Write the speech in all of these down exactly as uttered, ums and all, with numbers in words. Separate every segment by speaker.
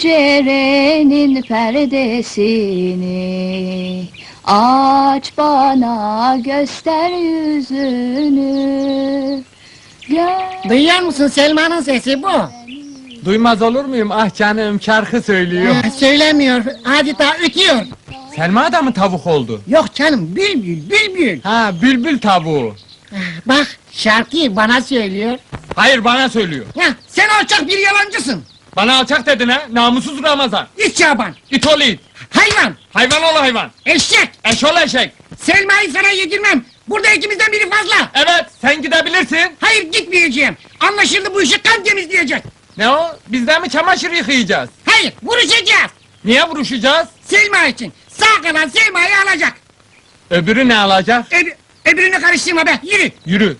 Speaker 1: pencerenin perdesini aç bana göster yüzünü. Gör
Speaker 2: Duyuyor musun, Selma'nın sesi bu.
Speaker 3: Duymaz olur muyum? Ah canım, şarkı söylüyor.
Speaker 2: Ha, söylemiyor, adeta ötüyor.
Speaker 3: Selma da mı tavuk oldu?
Speaker 2: Yok canım, bülbül, bülbül.
Speaker 3: Ha, bülbül tavuğu.
Speaker 2: Bak, şarkıyı bana söylüyor.
Speaker 3: Hayır, bana söylüyor.
Speaker 2: Ya, sen alçak bir yalancısın.
Speaker 3: Bana alçak dedin ha, namussuz Ramazan.
Speaker 2: İç Şaban,
Speaker 3: İt ol it.
Speaker 2: hayvan,
Speaker 3: Hayvan ol hayvan.
Speaker 2: eşek.
Speaker 3: Eş ol eşek.
Speaker 2: Selma'yı sana yedirmem. Burada ikimizden biri fazla.
Speaker 3: Evet, sen gidebilirsin.
Speaker 2: Hayır, gitmeyeceğim. Anlaşıldı, bu işi kan temizleyecek.
Speaker 3: Ne o? Bizden mi çamaşır yıkayacağız?
Speaker 2: Hayır, vuruşacağız.
Speaker 3: Niye vuruşacağız?
Speaker 2: Selma için. Sağ kalan Selma'yı alacak.
Speaker 3: Öbürü ne alacak?
Speaker 2: Öb öbürünü karıştırma be, yürü.
Speaker 3: Yürü.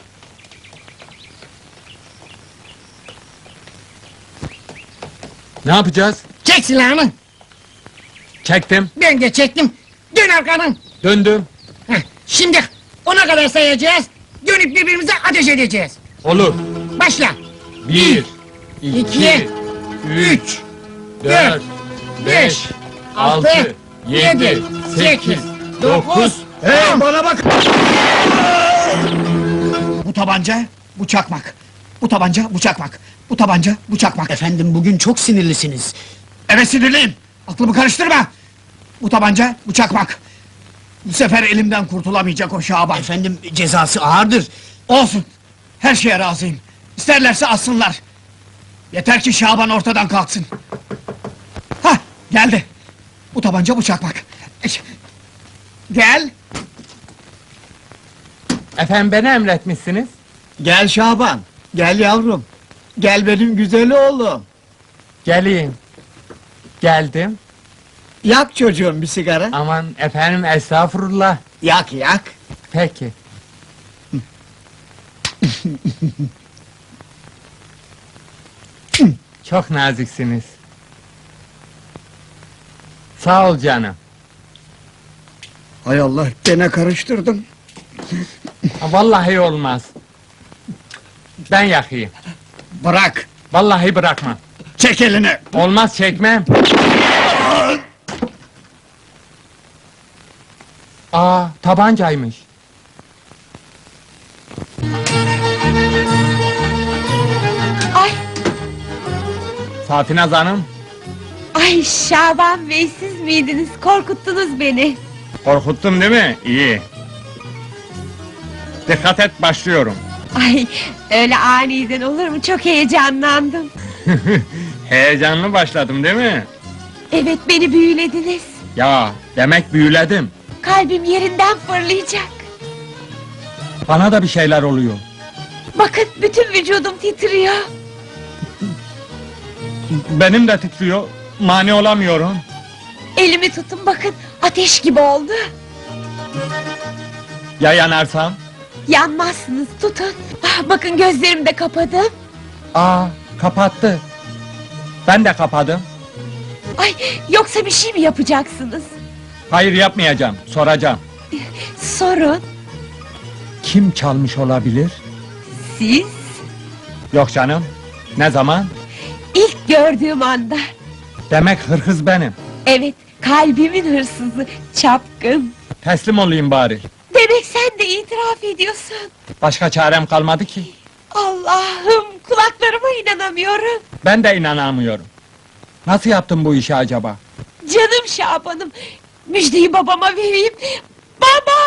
Speaker 3: Ne yapacağız?
Speaker 2: Çek silahını.
Speaker 3: Çektim,
Speaker 2: Ben de çektim. Dön arkanın.
Speaker 3: döndüm.
Speaker 2: Heh, şimdi ona kadar sayacağız. Dönüp birbirimize ateş edeceğiz.
Speaker 3: Olur.
Speaker 2: Başla.
Speaker 3: Bir, iki,
Speaker 2: iki,
Speaker 3: üç, dört, beş, altı, yedi, sekiz, dokuz.
Speaker 2: Hey,
Speaker 4: Bana bak! Bu tabanca, bu çakmak. Bu tabanca, bu çakmak. Bu tabanca, bu çakmak.
Speaker 5: Efendim bugün çok sinirlisiniz.
Speaker 4: Evet, sinirliyim. Aklımı karıştırma. Bu tabanca, bu çakmak. Bu sefer elimden kurtulamayacak o Şaban.
Speaker 5: Efendim cezası ağırdır.
Speaker 4: Olsun. Her şeye razıyım. İsterlerse assınlar. Yeter ki Şaban ortadan kalksın. Hah, geldi. Bu tabanca, bu çakmak. Eş- Gel.
Speaker 3: Efendim beni emretmişsiniz.
Speaker 4: Gel Şaban. Gel yavrum. Gel benim güzel oğlum.
Speaker 3: Geleyim. Geldim.
Speaker 4: Yak çocuğum bir sigara.
Speaker 3: Aman efendim estağfurullah.
Speaker 4: Yak yak.
Speaker 3: Peki. Çok naziksiniz. Sağ ol canım.
Speaker 4: Hay Allah, gene karıştırdım.
Speaker 3: Ha, Vallahi olmaz. Ben yakayım.
Speaker 4: Bırak.
Speaker 3: Vallahi bırakmam.
Speaker 4: Çek elini.
Speaker 3: Olmaz çekmem. Aa, tabancaymış.
Speaker 6: Ay,
Speaker 3: Safinaz Hanım,
Speaker 6: ay Şaban Bey siz miydiniz? Korkuttunuz beni.
Speaker 3: korkuttum değil mi? İyi. Dikkat et, başlıyorum.
Speaker 6: Ay, öyle aniden olur mu? Çok heyecanlandım.
Speaker 3: Heyecanlı başladım değil mi?
Speaker 6: Evet, beni büyülediniz.
Speaker 3: Ya, demek büyüledim.
Speaker 6: Kalbim yerinden fırlayacak.
Speaker 3: Bana da bir şeyler oluyor.
Speaker 6: Bakın, bütün vücudum titriyor.
Speaker 3: Benim de titriyor, mani olamıyorum.
Speaker 6: Elimi tutun, bakın, ateş gibi oldu.
Speaker 3: Ya yanarsam?
Speaker 6: Yanmazsınız, tutun. Ah, bakın gözlerimi de kapadım.
Speaker 3: Aa, kapattı. Ben de kapadım.
Speaker 6: Ay, yoksa bir şey mi yapacaksınız?
Speaker 3: Hayır, yapmayacağım, soracağım.
Speaker 6: Sorun,
Speaker 3: Kim çalmış olabilir?
Speaker 6: siz
Speaker 3: Yok canım. Ne zaman?
Speaker 6: ilk gördüğüm anda.
Speaker 3: Demek hırhız benim.
Speaker 6: Evet, kalbimin hırsızı, çapkın.
Speaker 3: Teslim olayım bari.
Speaker 6: Demek sen de itiraf ediyorsun.
Speaker 3: Başka çarem kalmadı ki.
Speaker 6: Allah'ım, kulaklarıma inanamıyorum.
Speaker 3: Ben de inanamıyorum. Nasıl yaptın bu işi acaba?
Speaker 6: Canım Şaban'ım, müjdeyi babama vereyim. Baba!